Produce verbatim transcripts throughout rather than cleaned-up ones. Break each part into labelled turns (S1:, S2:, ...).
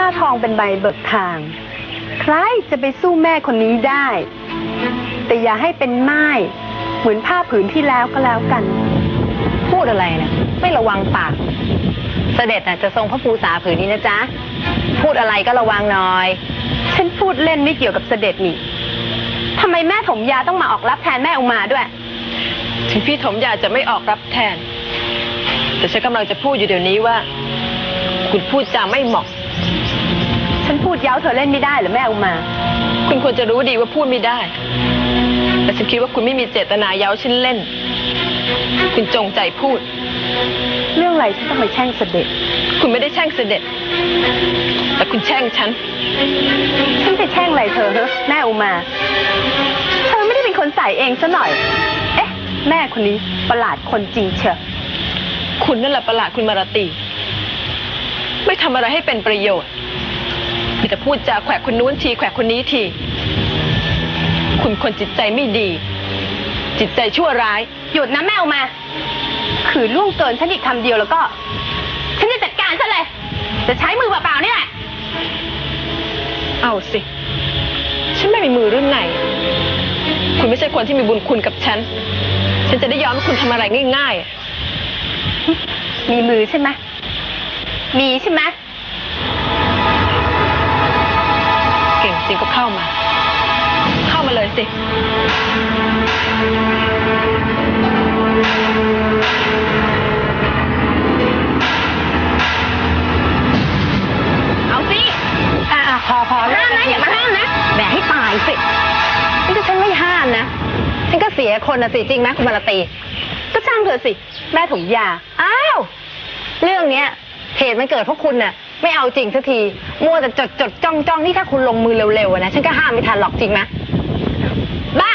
S1: ทองเป็นใบเบิกทางใครจะไปสู้แม่คนนี้ได้แต่อย่าให้เป็นม่ายเหมือนผ้าผืนที่แล้วก็แล้วกัน
S2: พูดอะไรนะไม่ระวังปากเสด็จน่ะจะทรงพระภูษาผืนนี้นะจ๊ะพูดอะไรก็ระวังหน่อย
S1: ฉันพูดเล่นไม่เกี่ยวกับเสด็จนี่ทำไมแม่ถมยาต้องมาออกรับแทนแม่อุมาด้วย
S3: ถึงพี่ถมยาจะไม่ออกรับแทนแต่ฉันกำลังจะพูดอยู่เดี๋ยวนี้ว่าคุณพูดจาไม่เหมาะ
S1: ฉันพูดเย้าเธอเล่นไม่ได้หรือแม่อุมา
S3: คุณควรจะรู้ดีว่าพูดไม่ได้แต่ฉันคิดว่าคุณไม่มีเจตนาเย้าฉันเล่นคุณจงใจพูด
S1: เรื่องอะไรฉันต้องไปแช่งเสด็จ
S3: คุณไม่ได้แช่งเสด็จแต่คุณแช่งฉัน
S1: ฉันไปแช่งอะไรเธอเหรอแม่อุมาเธอไม่ได้เป็นคนใส่เองซะหน่อยเอ๊ะแม่คนนี้ประหลาดคนจริงเชียว
S3: คุณนั่นแหละประหลาดคุณมาราตีไม่ทำอะไรให้เป็นประโยชน์มีแต่พูดจาแขวะคนนู้นทีแขวะคนนี้ทีคุณคนจิตใจไม่ดีจิตใจชั่วร้าย
S1: หยุดนะแม่อุมาขืนล่วงเกินฉันอีกคำเดียวแล้วก็ฉันจะจัดการซะเลยจะใช้มือเปล่าๆนี่แหละ
S3: เอาสิฉันไม่มีมือรุ่นไหนคุณไม่ใช่คนที่มีบุญคุณกับฉันฉันจะได้ยอมให้คุณทำอะไรง่าย
S1: ๆมีมือใช่ไหมมีใช่ไหม
S3: เก่งจริงก็เข้ามาเข้ามาเลยสิ
S2: เอาสิอ่าพอพอห้ามนะอย่ามาห้ามนะแบกให้ตายสินี่ก็ฉันไม่ห้ามนะฉันก็เสียคนนะสิจริงไหมคุณมาราตี
S1: ก็ช่างเถอะสิแม่ถมยา
S2: อ้าวเรื่องเนี้ยเหตุมันเกิดเพราะคุณน่ะไม่เอาจริงสักทีมัวแต่จดจดจ้องจ้องนี่ถ้าคุณลงมือเร็วๆนะฉันก็ห้ามไม่ทันหรอกจริงไหมบ้า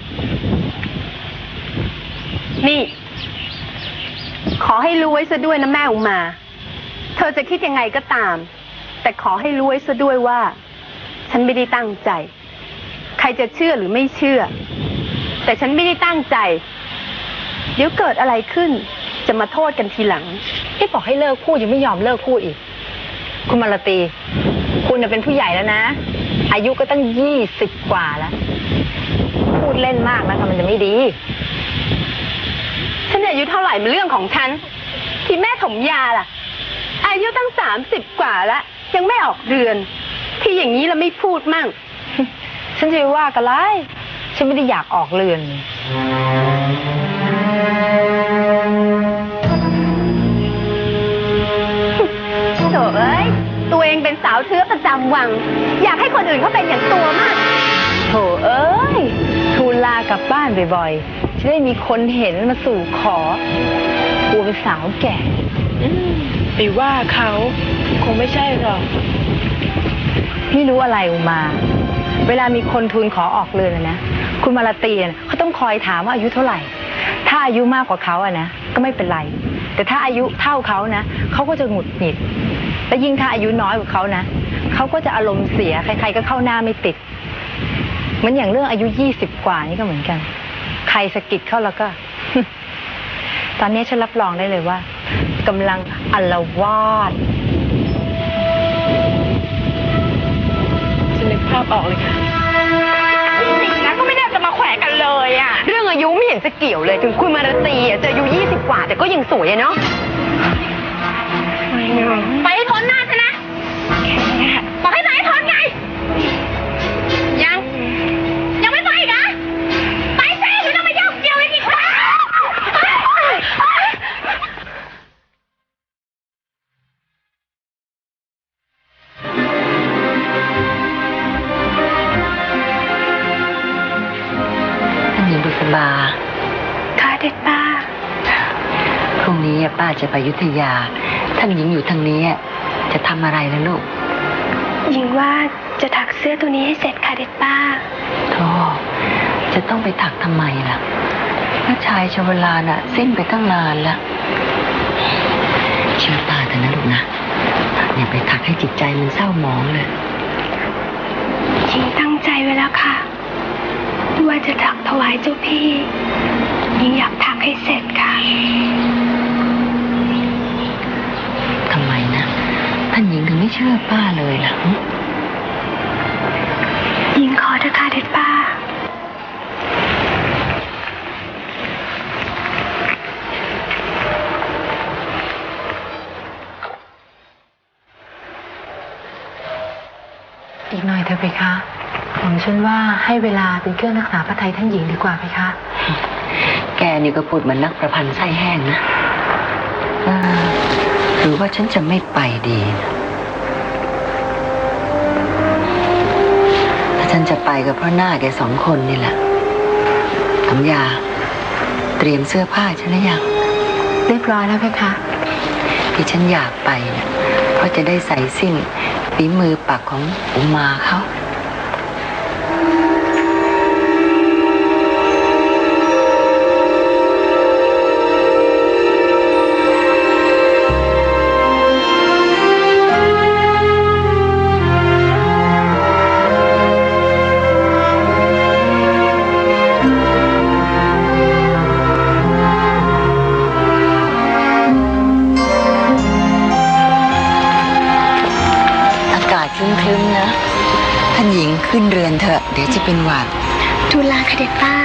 S1: นี่ขอให้รู้ไว้ซะด้วยนะแม่อุมาเธอจะคิดยังไงก็ตามแต่ขอให้รู้ไว้ซะด้วยว่าฉันไม่ได้ตั้งใจใครจะเชื่อหรือไม่เชื่อแต่ฉันไม่ได้ตั้งใจเดี๋ยวเกิดอะไรขึ้นจะมาโทษกันทีหลัง
S2: ที่บอกให้เลิกพูดยังไม่ยอมเลิกพูดอีกคุณมาราตีคุณเป็นผู้ใหญ่แล้วนะอายุก็ตั้งยี่สิบกว่าแล้วพูดเล่นมากนะคะมันจะไม่ดี
S1: ฉันอายุเท่าไหร่เป็นเรื่องของฉันที่แม่ถมยาล่ะอายุตั้งสามสิบกว่าแล้วยังไม่ออกเรือนที่อย่างนี้เราไม่พูดมั่ง
S2: ฉันจะว่ากันไรฉันไม่ได้อยากออกเรือน
S1: โถ่เอ้ยตัวเองเป็นสาวเชื้อประจำวังอยากให้คนอื่นเขาเป็นอย่างตัวมาก
S2: โถ่เอ้ยทูลลากลับบ้านบ่อยๆจะได้มีคนเห็นมาสู่ขอกลัวเป็นสาวแก่
S3: ไปว่าเขาคงไม่ใช่หรอก
S2: ไม่รู้อะไรอุมาเวลามีคนทูลขอออกเรือนนะคุณมาราตีเขาต้องคอยถามว่าอายุเท่าไหร่ถ้าอายุมากกว่าเขาอะนะก็ไม่เป็นไรแต่ถ้าอายุเท่าเขานะเขาก็จะหงุดหงิดและยิ่งถ้าอายุน้อยกว่าเขานะเขาก็จะอารมณ์เสียใครๆก็เข้าหน้าไม่ติดเหมือนอย่างเรื่องอายุยี่สิบกว่านี่ก็เหมือนกันใครสะกิดเข้าแล้วก็ ตอนนี้ฉันรับรองได้เลยว่ากำลังอาละวาด
S3: ฉันนึกภาพออกเลยค่ะ
S1: จริงนะก็ไม่น่าจะมาแขวะกันเลยอ่ะเรื่องอายุไม่เห็นจะเกี่ยวเลยถึงคุณมาราตีอ่ะจะอายุยี่สิบกว่าแต่ก็ยังสวยอ่ะเนาะไปให้พ้นหน้าฉันนะบอกให้ไปให้พ้นไงยังยังไม่ไปอีกเหรอไปสิไม่ต้องมายุ่งเกี่ยวอีกแล้ว
S4: ท่านหญิงบุษบา
S1: ค่ะเด็ดป้า
S4: พรุ่งนี้ป้าจะไปอยุธยาท่านหญิงอยู่ทางนี้จะทำอะไรล่ะลูก
S1: หญิงว่าจะถักเสื้อตัวนี้ให้เสร็จค่ะเด็ดป้า
S4: โธ่จะต้องไปถักทำไมล่ะพระชายชวลาน่ะสิ้นไปตั้งนานแล้วเชื่อป้าเถอะนะลูกนะอย่าไปถักให้จิตใจมันเศร้าหมองเลย
S1: หญิงตั้งใจไว้แล้วค่ะว่าจะถักถวายเจ้าพี่หญิงอยากถักให้เสร็จค่ะ
S4: ทำไมนะท่านหญิงถึงไม่เชื่อป้าเลยล่ะ
S1: หญิงขอเถอะค่ะเด็ดป้า
S2: อีกหน่อยเถอะเพคะผมฉันว่าให้เวลาเป็นเครื่องรักษาพระทัยท่านหญิงดีกว่าเพคะ
S4: แกนี่ก็พูดเหมือนนักประพันธ์ไส้แห้งนะเออหรือว่าฉันจะไม่ไปดีนะถ้าฉันจะไปก็เพราะหน้าแกสองคนนี่แหละคำยาเตรียมเสื้อผ้าฉันหรือยัง
S2: เรียบร้อยแล้วเพคะ
S4: ที่ฉันอยากไปเนี่ยเพราะจะได้ใส่สิ้นฝีมือปักของอุมาเขา อากาศครึ้มๆนะท่านหญิงขึ้นเรือนเถอะเดี๋ยวจะเป็นหวัด
S5: ทูลลาค่ะเด็ดป้า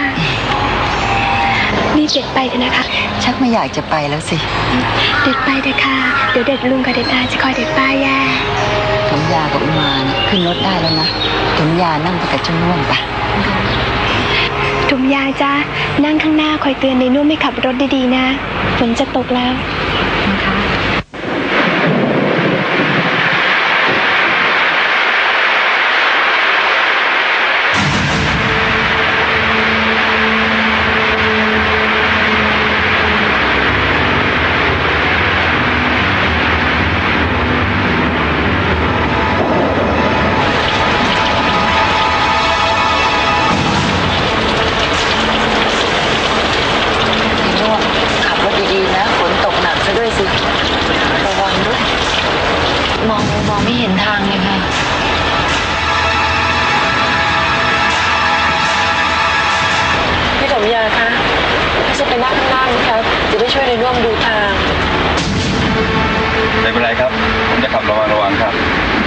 S5: รีบเด็ดไปเถอะนะคะ
S4: ชักไม่อยากจะไปแล้วสิ
S5: เด็ดไปเถอะค่ะ เดี๋ยวเด็ดลุงกับเด็ดอาจะคอยเด็ดป้าแย่
S4: สมยากับอุมานะขึ้นรถได้แล้วนะสมยานั่งไปกับเจ้าน่วมปะ
S5: ถุมยาจ้านั่งข้างหน้าคอยเตือนในนุ่มให้ขับรถดีๆนะฝนจะตกแล้ว
S4: พี่น่วมขับรถดีๆนะฝนตกหนักซะด้วยสิระวังด้วยมองมองไม่เห็นทางเลยค่ะพี่สมยาคะถ้าจะไปนั่งข้างล่างนะครับจะได้ช่วยในร่วมดูทาง
S6: ไม่เป็นไรครับ ผมจะขับระวังระวังครับ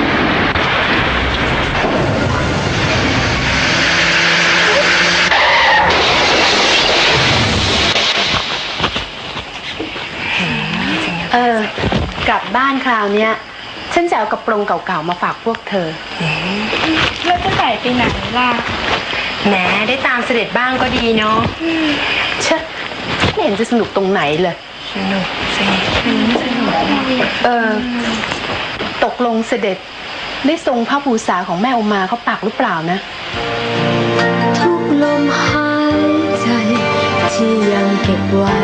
S1: เออ กลับบ้านคราวเนี้ย ฉันจะเอากระโปรงเก่าๆมาฝากพวกเธอ
S5: แล้วจะใส่ไปไหนล่ะ
S1: แหมได้ตามเสด็จบ้างก็ดีเนาะเชะไม่เห็นจะสนุกตรงไหนเลย
S5: สนุกสิสนุก
S1: เออ ตกลงเสด็จได้ทรงพระภูษาของแม่อุมาเขาปักหรือเปล่านะ
S5: ทุกลมหายใจที่ยังเก็บไว้